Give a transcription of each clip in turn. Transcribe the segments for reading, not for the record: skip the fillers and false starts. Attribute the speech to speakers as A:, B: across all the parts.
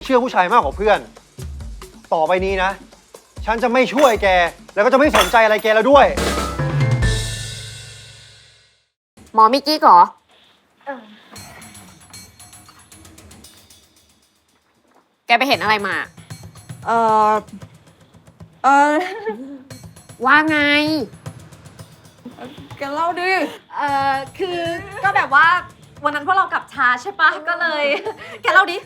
A: ชื่อผู้ชายมากกว่าเพื่อน ต่อไปนี้นะ ฉันจะไม่ช่วยแก แล้วก็จะไม่สนใจอะไรแกแล้วด้วย
B: หมอมิกกี้เหรอแกไปเห็นอะไรมา
C: เออเออ
B: ว่าไง
C: แกเล่าดิ
D: คือก็แบบว่าวันนั้นพวกเรากลับช้าใช่ปะก็เลย แกเล่าดิ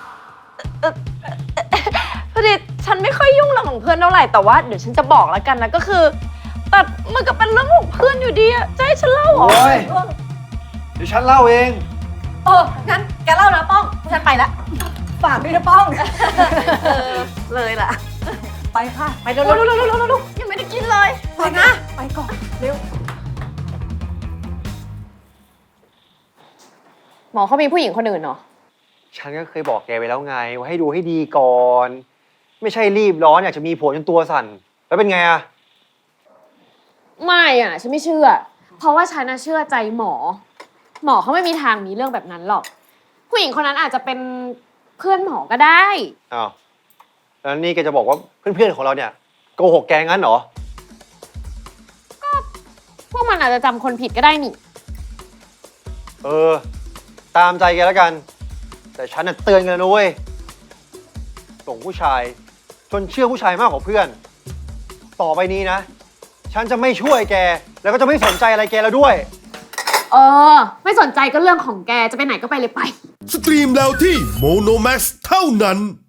D: พอดีฉันไม่ค่อยยุ่งเรื่องของเพื่อนเท่าไหร่แต่ว่าเดี๋ยวฉันจะบอกแล้วกันนะก็คือแต่มันก็เป็นเรื่องของเพื่อนอยู่ดีอะจะให้ฉันเล่าเหรอ
A: โอ้ย เดี๋ยวฉันเล่าเอง
D: งั้นแกเล่านะป้องฉันไปละ
C: ฝากด้วยนะป้อง
D: เลยล่ะ
C: ไปค่ะ
D: ไปเร็วๆๆๆๆยังไม่ได้กินเลย
C: ไปนะ ไปก่อน เร็ว
B: หมอเขามีผู้หญิงคนอื่นเหรอ
A: ฉันก็เคยบอกแกไปแล้วไง ว่าให้ดูให้ดีก่อน ไม่ใช่รีบร้อนอยากจะมีผัวจนตัวสั่น แล้วเป็นไงอะ
B: ไม่อ่ะ ฉันไม่เชื่อ เพราะว่าฉันน่ะเชื่อใจหมอ หมอเขาไม่มีทางมีเรื่องแบบนั้นหรอก ผู้หญิงคนนั้นอาจจะเป็นเพื่อนหมอก็ได้
A: อ้าวแล้วนี่แกจะบอกว่าเพื่อนๆของเราเนี่ยโกหกแกงั้นเหรอ
B: พวกมันอาจจะจำคนผิดก็ได้นี่
A: เออ ตามใจแกแล้วกัน แต่ฉันน่ะเตือนกันแล้วนะเว้ยส่งผู้ชายจนเชื่อผู้ชายมากกว่าเพื่อน ต่อไปนี้นะ ฉันจะไม่ช่วยแก แล้วก็จะไม่สนใจอะไรแกแล้วด้วย
B: เออ ไม่สนใจก็เรื่องของแก จะไปไหนก็ไปเลยไป
E: สตรีมแล้วที่โมโนแม็กเท่านั้น